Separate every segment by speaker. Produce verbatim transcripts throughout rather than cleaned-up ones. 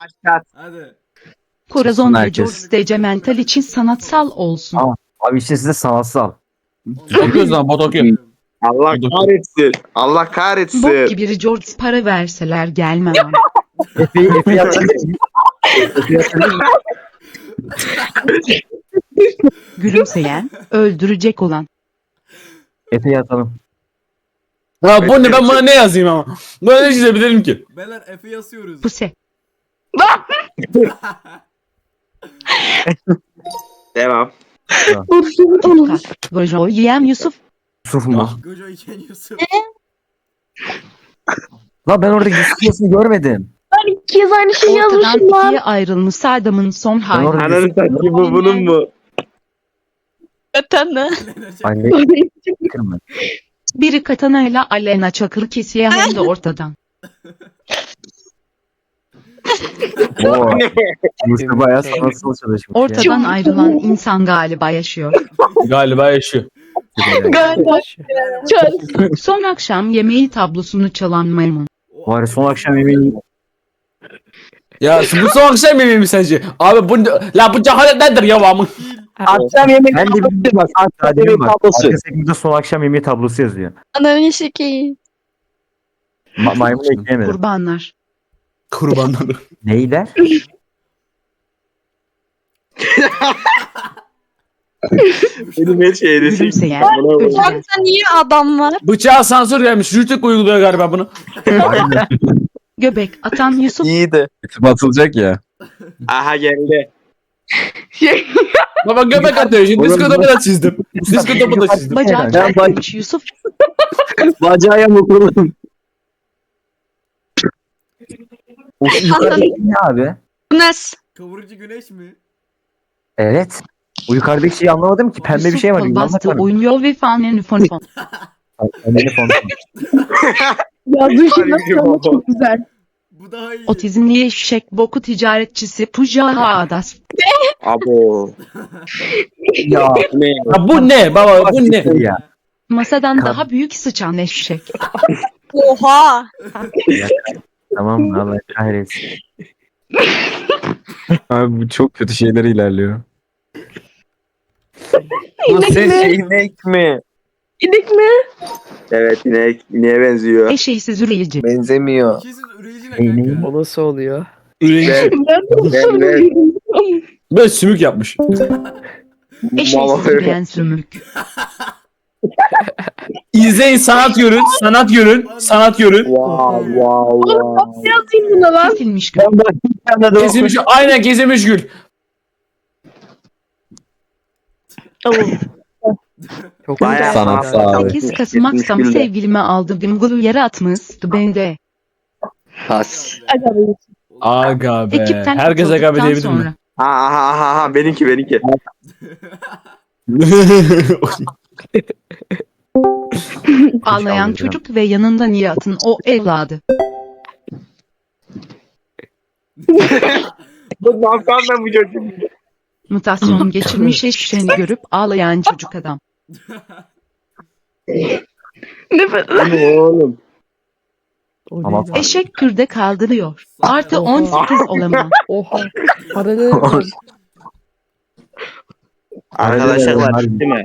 Speaker 1: Aşağı.
Speaker 2: Hadi.
Speaker 3: Corazon ve
Speaker 4: herkes.
Speaker 3: George de Cemental için sanatsal olsun.
Speaker 4: Aa. Abi işte size sanatsal.
Speaker 5: Okuyoruz lan bot okuyor.
Speaker 1: Allah kahretsin. Allah
Speaker 3: Bok
Speaker 1: kahretsin.
Speaker 3: gibi George para verseler gelmem.
Speaker 4: Efe'yi Efe'yi hatırlıyor musun? Efe'yi hatırlıyor musun?
Speaker 3: Gülümseyen, öldürecek olan.
Speaker 4: Efe'yi atalım.
Speaker 5: Ha bu ne, ben buna ne yazayım ama. Buna ne çizebilirim ki?
Speaker 2: Beyler Efe yazıyoruz.
Speaker 3: Puse.
Speaker 1: Devam.
Speaker 3: Utkat. Gojo yiyen Yusuf.
Speaker 4: Yusuf mu?
Speaker 2: Gojo iken Yusuf.
Speaker 4: La ben orada Yusuf yazısını görmedim.
Speaker 6: Ben iki kez aynı şeyi
Speaker 3: Ortadan
Speaker 6: yazmışım lan.
Speaker 3: ikiye ayrılmış Saddam'ın son hali.
Speaker 4: orada-
Speaker 1: Ananı satayım bu bunun mu?
Speaker 6: Zaten de.
Speaker 4: Anne kırma.
Speaker 3: Biri katana ile Alena Çakır kesiyor hem de ortadan.
Speaker 4: Oo. Yusuf bayağı sanatsal çalışmış ya.
Speaker 3: Ortadan ayrılan insan galiba yaşıyor.
Speaker 5: Galiba yaşıyor.
Speaker 6: Galiba. Çöz.
Speaker 3: Son akşam yemeği tablosunu çalan maymun.
Speaker 4: Var son akşam yemeği
Speaker 5: Ya bu son akşam yemeği mi sence? Abi bu la bu cehalet nedir ya amın?
Speaker 7: Akşam yemek
Speaker 4: ben de bir bak
Speaker 7: Akşam
Speaker 4: Adem'e
Speaker 7: yemek
Speaker 4: bak.
Speaker 7: tablosu.
Speaker 4: Arka sekmede son akşam yemeği tablosu yazıyor.
Speaker 6: Ananı şekeyim.
Speaker 4: Ma maymun ekleyemedim.
Speaker 3: Kurbanlar.
Speaker 5: Kurbanları.
Speaker 4: Neyler?
Speaker 1: Benim her şey resim.
Speaker 3: Gülümseyen,
Speaker 1: Buna bak.
Speaker 3: ölecek.
Speaker 6: Sen niye adam var?
Speaker 5: Bıçağa sansür gelmiş. Rütük uyguluyor galiba bunu.
Speaker 4: Aynen.
Speaker 3: Göbek atan Yusuf.
Speaker 7: iyiydi.
Speaker 4: Batılacak ya.
Speaker 1: Aha geldi.
Speaker 5: Baba göbek atıyor şimdi. Disko topu da çizdim. Disko topu da çizdim.
Speaker 3: Bacağı
Speaker 4: Ben
Speaker 3: çarpılmış Yusuf.
Speaker 7: Bacağı yamukluğum.
Speaker 4: O yukarıdaki ne abi?
Speaker 6: Nes.
Speaker 2: Kavurucu güneş mi?
Speaker 4: Evet. O yukarıdaki şeyi anlamadım ki. Pembe bir
Speaker 3: Yusuf
Speaker 4: şey var.
Speaker 3: kol
Speaker 4: Yuvarlak
Speaker 3: bastı
Speaker 4: var.
Speaker 3: oynuyor ve fanen fon fon.
Speaker 4: Pembe fon.
Speaker 6: Yazdığı
Speaker 1: şey nasıl ama çok
Speaker 6: güzel.
Speaker 2: Bu daha iyi.
Speaker 3: Otizmli eşek boku ticaretçisi Puja Adas.
Speaker 1: Abo.
Speaker 4: Ya.
Speaker 1: Ne?
Speaker 5: Ya bu ne baba bu ne?
Speaker 4: Ya.
Speaker 3: Masadan
Speaker 4: Kan-
Speaker 3: daha büyük sıçan eşek.
Speaker 6: Oha.
Speaker 4: Tamam mı? Allah kahretsin.
Speaker 8: Abi bu çok kötü şeyler ilerliyor.
Speaker 7: Nasıl
Speaker 6: mi?
Speaker 7: şey inek mi?
Speaker 6: İnek mi?
Speaker 1: Evet inek. İneğe benziyor.
Speaker 3: Eşeğsiz üreyici.
Speaker 7: Benzemiyor.
Speaker 2: İkisiz üreyici ne
Speaker 4: Ney,
Speaker 2: kanka?
Speaker 7: O nasıl oluyor?
Speaker 5: Üretici.
Speaker 1: Ben ben.
Speaker 5: Böyle sümük yapmış.
Speaker 3: Eşeğsiz üreyen sümük.
Speaker 5: İzleyin sanat görün. Sanat görün. Sanat görün.
Speaker 1: Wow wow wow.
Speaker 6: Yazayım buna lan.
Speaker 3: Kesilmiş gül.
Speaker 7: Ben bak bir tane de
Speaker 5: Kesilmiş. Aynen kesilmiş gül.
Speaker 7: Çok
Speaker 1: Bayağı
Speaker 8: Sanatsal abi.
Speaker 3: sekiz Kasım akşam
Speaker 1: Yetmiş gülde.
Speaker 3: sevgilime aldım dimgulu yere atmıştı bende.
Speaker 7: has.
Speaker 5: Aga be.
Speaker 3: Ekipten
Speaker 5: Herkes aga be
Speaker 3: atıldıktan
Speaker 5: diyebilir mi?
Speaker 3: sonra.
Speaker 1: Ha ha ha ha benimki benimki.
Speaker 3: Ağlayan
Speaker 4: aldım.
Speaker 3: çocuk ve yanında Nihat'ın o evladı.
Speaker 1: Bu ne yapsam ben bu çocuğu?
Speaker 3: Mutasyon geçirmiş eşeğini görüp ağlayan çocuk adam.
Speaker 6: Nefes.
Speaker 1: Bu ne oğlum?
Speaker 4: Ama
Speaker 3: Eşek kürde kaldırıyor. Artı on sekiz olamam.
Speaker 7: Oha.
Speaker 1: Arkadaşlar bitti mi?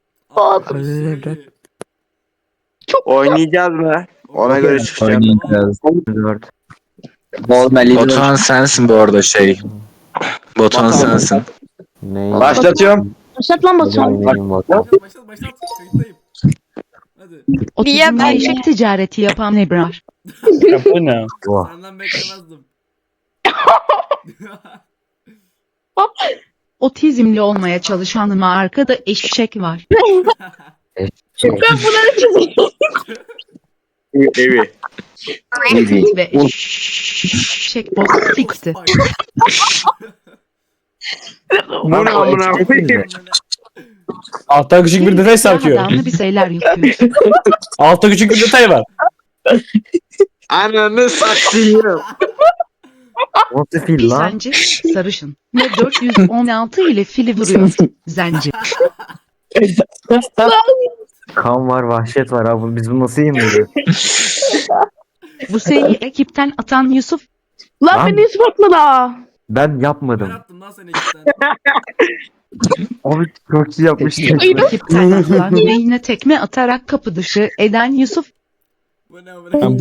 Speaker 1: Oynayacağız mı? Ona göre çıkacağım.
Speaker 8: Oynayacağız.
Speaker 4: dört.
Speaker 8: Batuhan sensin bu arada şey. Batuhan sensin.
Speaker 7: Başlatıyorum.
Speaker 6: Başlat lan Batuhan.
Speaker 2: Başlat başlat başlat. Kayıttayım. Hadi.
Speaker 3: Otizmli
Speaker 6: ben-
Speaker 3: eşek ticareti yapan Ebrar.
Speaker 5: Ya bu ne?
Speaker 4: Oh.
Speaker 2: Senden beklemezdim.
Speaker 3: Otizmli olmaya çalışanıma arkada eşek var.
Speaker 4: Şey,
Speaker 6: Ben bunları çizeyim.
Speaker 1: Evi.
Speaker 3: Ve eşek boz sikti.
Speaker 1: Bu ne amına
Speaker 4: eşek
Speaker 1: koyayım?
Speaker 4: miydi?
Speaker 5: Altta küçük bir detay sarkıyor.
Speaker 3: Adamlı bir şeyler yapıyor.
Speaker 5: Altta küçük bir detay var.
Speaker 1: Ananı satayım.
Speaker 4: Nasıl fil
Speaker 3: Bir
Speaker 4: lan?
Speaker 3: zenci sarışın ve dört yüz on altı ile fili vuruyor. Zenci.
Speaker 4: Kan var, vahşet var abi. Biz bunu nasıl yemiyoruz?
Speaker 3: Bu seyi ekipten atan Yusuf.
Speaker 6: Lan
Speaker 4: Lan.
Speaker 6: beni ispatla da.
Speaker 4: Ben
Speaker 2: Ben
Speaker 4: yapmadım.
Speaker 2: attım lan seni ekipten.
Speaker 4: Abi çok iyi yapmıştın.
Speaker 3: Rakip taraftar yüreğine tekme atarak kapı dışı eden Yusuf
Speaker 2: Bu ne
Speaker 5: Ben
Speaker 2: amına?
Speaker 5: bu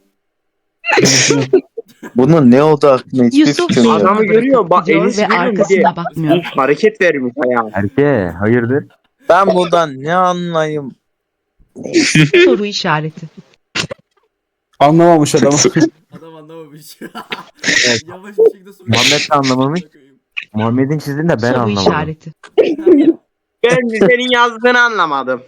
Speaker 7: Bunun ne oldu aklına hiçbir
Speaker 3: Yusuf
Speaker 7: fikrim yok.
Speaker 1: Adamı görüyor, bak,
Speaker 3: gidiyor
Speaker 1: Enes'i
Speaker 3: ve
Speaker 1: görüyor, bir de-
Speaker 3: arkasına bakmıyor.
Speaker 1: Hareket vermiş ayağa.
Speaker 4: Erke hayırdır?
Speaker 7: Ben buradan ne anlayayım?
Speaker 3: Soru işareti.
Speaker 5: anlamamış adam.
Speaker 2: Adam anlamamış. Yavaş bir şekilde soruyor.
Speaker 4: Muhammed de anlamamış. Muhammed'in çizdiğini de ben
Speaker 3: Soru
Speaker 4: anlamadım.
Speaker 3: işareti.
Speaker 1: Ben de senin yazdığını anlamadım.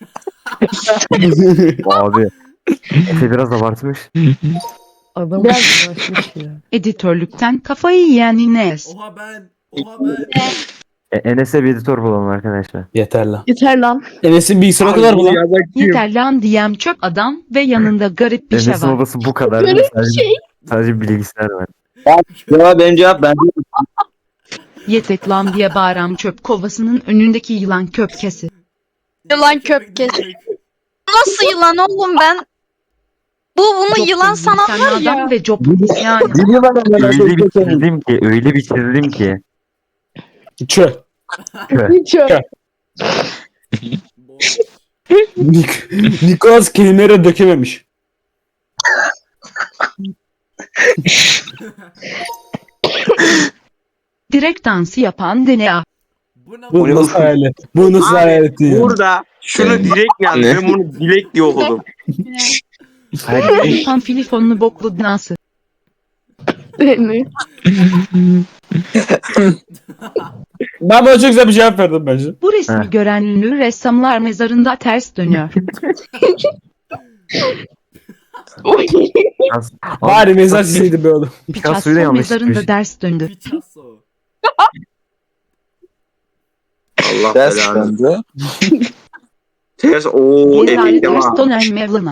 Speaker 4: Abi. Efe biraz abartmış.
Speaker 9: Adam uğraşmış ya.
Speaker 3: Editörlükten kafayı yiyen Ines.
Speaker 2: Oha ben. Oha ben.
Speaker 4: E, Enes'e bir editör bulalım arkadaşlar.
Speaker 5: Yeter lan.
Speaker 6: Yeter lan.
Speaker 5: Enes'in bilgisayarı o kadar mı lan?
Speaker 3: Yeter lan diyem çöp adam ve yanında garip bir şey
Speaker 4: Enes'in
Speaker 3: var.
Speaker 4: odası bu kadar.
Speaker 6: Garip
Speaker 4: sadece,
Speaker 6: şey.
Speaker 4: sadece bilgisayar var.
Speaker 7: Ya benim cevap ben
Speaker 3: Yetek lan diye bağıran çöp kovasının önündeki yılan köpkesi.
Speaker 10: Yılan köpkesi. Nasıl yılan oğlum ben? Bu bunu
Speaker 3: Çok
Speaker 10: yılan
Speaker 3: hızlı
Speaker 10: sanan
Speaker 3: sen
Speaker 10: var
Speaker 3: adam
Speaker 10: ya.
Speaker 3: ve job yani.
Speaker 4: Öyle bir çizdim ki, öyle bir çizdim ki.
Speaker 5: Çö.
Speaker 6: Hiç yok.
Speaker 2: Boş.
Speaker 5: Nik Nikolas kelimelere dökememiş.
Speaker 3: Direkt dansı yapan D N A.
Speaker 2: Bu ne?
Speaker 5: Bu nasıl hayalet? Bu nasıl
Speaker 1: Abi,
Speaker 5: hayalet ya?
Speaker 1: Burada şunu direkt yazdı. Ben bunu dilek diye okudum.
Speaker 3: Yapan filifonlu boklu dansı.
Speaker 6: Seni.
Speaker 5: Ben buna çok güzel bir cevap verdim bence.
Speaker 3: Bu resmi
Speaker 4: Heh.
Speaker 3: gören ünlü ressamlar mezarında ters dönüyor.
Speaker 5: Bari mezar çizseydi be oğlum.
Speaker 4: Picasso'yu da
Speaker 3: Picasso
Speaker 4: yanlış
Speaker 3: mezarında
Speaker 4: çizmiş.
Speaker 3: ders döndü.
Speaker 2: Picasso.
Speaker 1: Allah
Speaker 7: ders
Speaker 1: belanı.
Speaker 7: bende.
Speaker 1: Ters ooo
Speaker 3: Rezalet
Speaker 1: efekte var.
Speaker 3: Stoner Mevlana.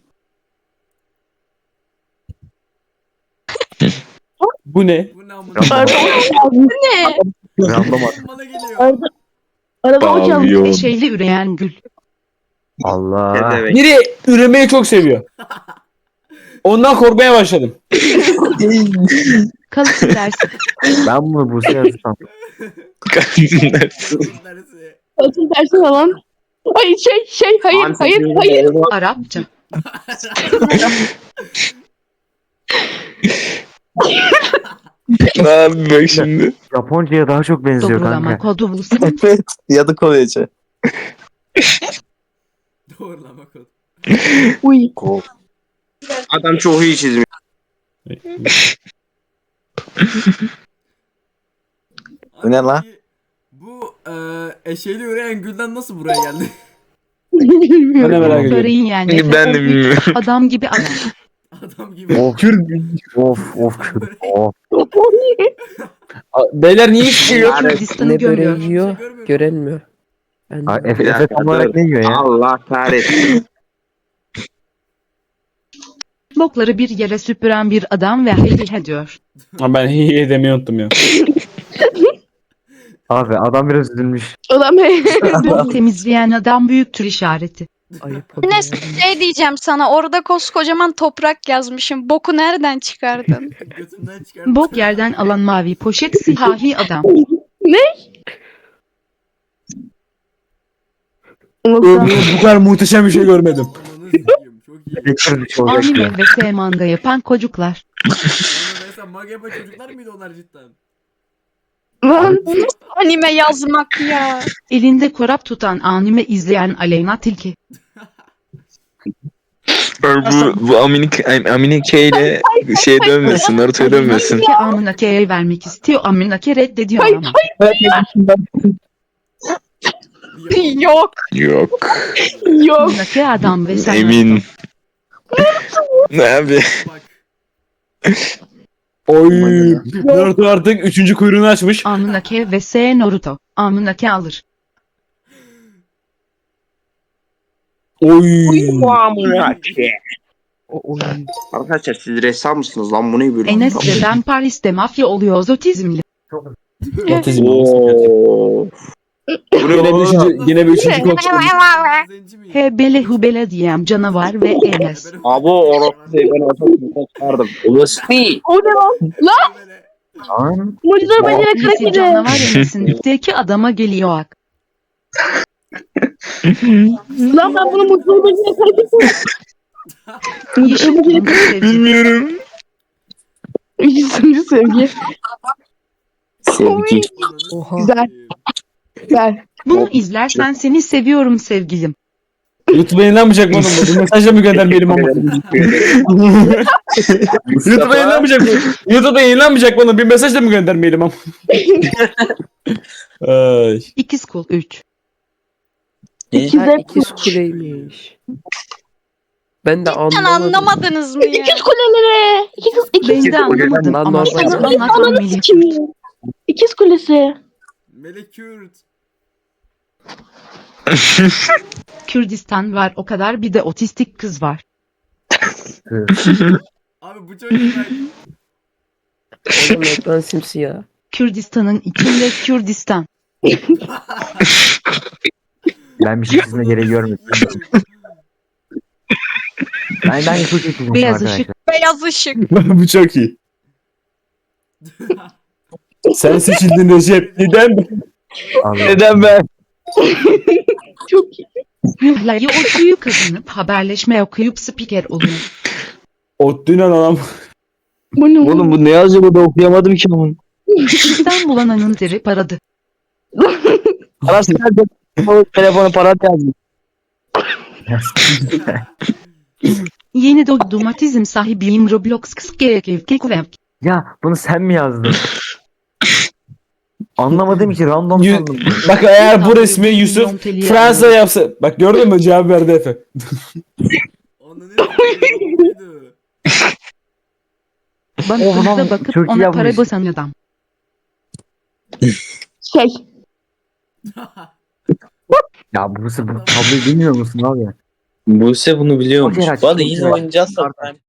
Speaker 5: Bu ne?
Speaker 2: Bu ne amına?
Speaker 6: Pardon.
Speaker 10: Ne?
Speaker 4: Random at.
Speaker 2: Bana geliyor.
Speaker 6: Arada, arada o çaldı.
Speaker 3: Eşeğli üreyen gül.
Speaker 4: Allah.
Speaker 1: Ne demek?
Speaker 5: Biri üremeyi çok seviyor. Ondan korkmaya başladım.
Speaker 3: Kalıcı dersi.
Speaker 4: Ben bunu Buse yazsam.
Speaker 2: Neresi?
Speaker 6: Atın tersi falan. Ay şey şey hayır
Speaker 1: Abi,
Speaker 6: hayır
Speaker 1: senin
Speaker 6: hayır.
Speaker 1: oğlum-
Speaker 3: Arapça.
Speaker 8: Ne yapayım bak şimdi?
Speaker 4: Japonca'ya daha çok benziyor
Speaker 3: Doğrulama
Speaker 4: kanka.
Speaker 3: kodu bulsun.
Speaker 7: Evet. Ya da Korece.
Speaker 2: Doğrulama kod.
Speaker 6: Uy.
Speaker 1: Adam çok iyi çizmiş.
Speaker 7: Bu ne lan?
Speaker 2: Peki, Bu eee eşeğli üreyen gülden nasıl buraya geldi?
Speaker 5: Ben de
Speaker 6: Bilmiyorum.
Speaker 5: merak ediyorum.
Speaker 3: Böreğin yani.
Speaker 8: Şimdi ben de bilmiyorum.
Speaker 3: Adam gibi adam.
Speaker 2: Adam gibi.
Speaker 4: Of
Speaker 5: Kürt.
Speaker 4: of of Kürt, of.
Speaker 5: Beyler niye hiç şey yok?
Speaker 3: Kürdistan'ı
Speaker 9: Ne
Speaker 3: gömüyor.
Speaker 9: böreği yiyor, görenmiyor. Ben
Speaker 4: Ay,
Speaker 9: de-
Speaker 4: Efe,
Speaker 1: Bir
Speaker 4: Efe
Speaker 1: dakika,
Speaker 4: tam olarak
Speaker 1: dur.
Speaker 4: ne yiyor ya?
Speaker 1: Allah kahretsin.
Speaker 3: Bokları bir yere süpüren bir adam ve haydi diyor.
Speaker 5: Ha, ben hihi edemeyi unuttum ya.
Speaker 4: Abi adam biraz üzülmüş.
Speaker 6: Adam
Speaker 3: Bok temizleyen adam büyüktür işareti.
Speaker 9: Ayıp oluyor.
Speaker 10: Enes şey diyeceğim sana orada koskocaman toprak yazmışım. Boku nereden çıkardın?
Speaker 2: Götümden çıkar.
Speaker 3: Bok yerden alan mavi poşet siyahi adam.
Speaker 5: Ömrümde bu kadar muhteşem bir şey görmedim.
Speaker 2: Ananı sikeyim. Çok iyi.
Speaker 4: Elektrikli olacak ya.
Speaker 3: Anime ve S manga yapan çocuklar.
Speaker 2: Onu mesela maga yapan çocuklar mıydı onlar cidden?
Speaker 6: Lan.
Speaker 10: Anime yazmak ya.
Speaker 3: Elinde korap tutan anime izleyen Aleyna Tilki.
Speaker 8: Bu, bu Aminik, Aminike ile şey dönmesin, Naruto'ya dönmesin.
Speaker 3: Tilki Aminake'ye vermek istiyor. Aminake reddediyor ama.
Speaker 10: Yok.
Speaker 8: Yok.
Speaker 6: Yok.
Speaker 3: Aminake adam ve sen.
Speaker 8: Emin. Ne abi?
Speaker 2: Bak.
Speaker 5: Oy. Naruto artık üçüncü kuyruğunu açmış.
Speaker 3: Aminake ve S Naruto. Aminake alır.
Speaker 5: Oy.
Speaker 1: Bu amına ki.
Speaker 9: O oyun.
Speaker 1: Arkadaşlar siz ressam mısınız lan, bu ne böyle?
Speaker 3: Enes ve ben Paris'te mafya oluyoruz otizmli.
Speaker 5: Otizm.
Speaker 1: Oo.
Speaker 5: Yine bir üçüncü, yine bir üçüncü kol çıktı.
Speaker 2: Zenci miyim?
Speaker 3: Hebele hubele diyem canavar ve Enes.
Speaker 2: Ebere-
Speaker 1: Abi o orası değil, ben ortasını çıkardım.
Speaker 5: Ulusfi.
Speaker 6: O ne lan?
Speaker 2: Ebere-
Speaker 7: Lan.
Speaker 6: Mucize bacana
Speaker 3: Birisi
Speaker 6: kırık yedi.
Speaker 3: canavar Enes'in dipteki adama geliyor ak.
Speaker 6: Lan ben bunu mucize bacana kırık yedim.
Speaker 3: Yeşil kırmızı sevgi.
Speaker 8: Bilmiyorum.
Speaker 6: Üçüncü sevgi.
Speaker 7: Sevgi.
Speaker 9: Oha.
Speaker 6: Güzel. Güzel.
Speaker 3: Bunu izlersen seni seviyorum sevgilim.
Speaker 5: YouTube'a yayınlanmayacak mı oğlum bu? Bir mesajla mı göndermeyelim ama? YouTube'a yayınlanmayacak mı? YouTube'a yayınlanmayacak mı oğlum? Bir mesajla mı göndermeyelim ama? Ay.
Speaker 3: İkiz kul üç.
Speaker 9: Ha,
Speaker 6: İkize
Speaker 9: ikiz kuleymiş. Ben de
Speaker 10: Sen
Speaker 9: anlamadım.
Speaker 10: anlamadınız mı ya?
Speaker 6: İkiz kuleleri. İkiz, ikiz,
Speaker 3: Ben de anlamadım
Speaker 9: Lan
Speaker 3: ama
Speaker 9: normal.
Speaker 3: sen
Speaker 6: Ananı
Speaker 3: anlatmalıyım.
Speaker 6: sikeyim. İkiz kulesi.
Speaker 2: Melek Kürt.
Speaker 3: Kürdistan var o kadar, bir de otistik kız var.
Speaker 2: Abi bu çok güzel.
Speaker 9: Oğlum ekran simsiyah.
Speaker 3: Kürdistan'ın içinde Kürdistan.
Speaker 4: Ben bir şey çizme gereği görmedim. Ben ben çok iyi çizmişim
Speaker 3: Beyaz
Speaker 4: arkadaşlar.
Speaker 3: ışık.
Speaker 10: Beyaz ışık.
Speaker 5: Bu çok iyi. Sen seçildin Recep. Neden?
Speaker 4: Allah.
Speaker 7: Neden ben?
Speaker 6: Çok iyi.
Speaker 3: Layı okuyup kazanıp haberleşme okuyup spiker oluyor.
Speaker 5: Ottu'yla adam.
Speaker 6: Bu ne
Speaker 7: Oğlum bu ne yazıyor burada okuyamadım ki bunu.
Speaker 3: İstanbul ananın deri paradı.
Speaker 7: Parası nerede? O telefonu para yazmış.
Speaker 3: Yeni dogmatizm sahibiyim Roblox kıskekevkekvev.
Speaker 4: Ya bunu sen mi yazdın? Anlamadığım için random
Speaker 5: Yu-
Speaker 4: sandım.
Speaker 5: Bak eğer bu resmi Yusuf Fransa yapsa. Bak gördün mü cevap verdi Efe.
Speaker 2: Onu ne yapıyordu?
Speaker 3: Bana
Speaker 4: Oha,
Speaker 3: hızla bakıp
Speaker 4: çok iyi
Speaker 3: ona para
Speaker 4: yapmış.
Speaker 3: basan adam.
Speaker 6: şey.
Speaker 4: Ya bu bu tabloyu bilmiyor musun abi?
Speaker 7: Buse bunu biliyormuş.
Speaker 4: Okey,
Speaker 7: Bana
Speaker 4: çok
Speaker 7: yine
Speaker 4: güzel.
Speaker 7: oynayacağız da.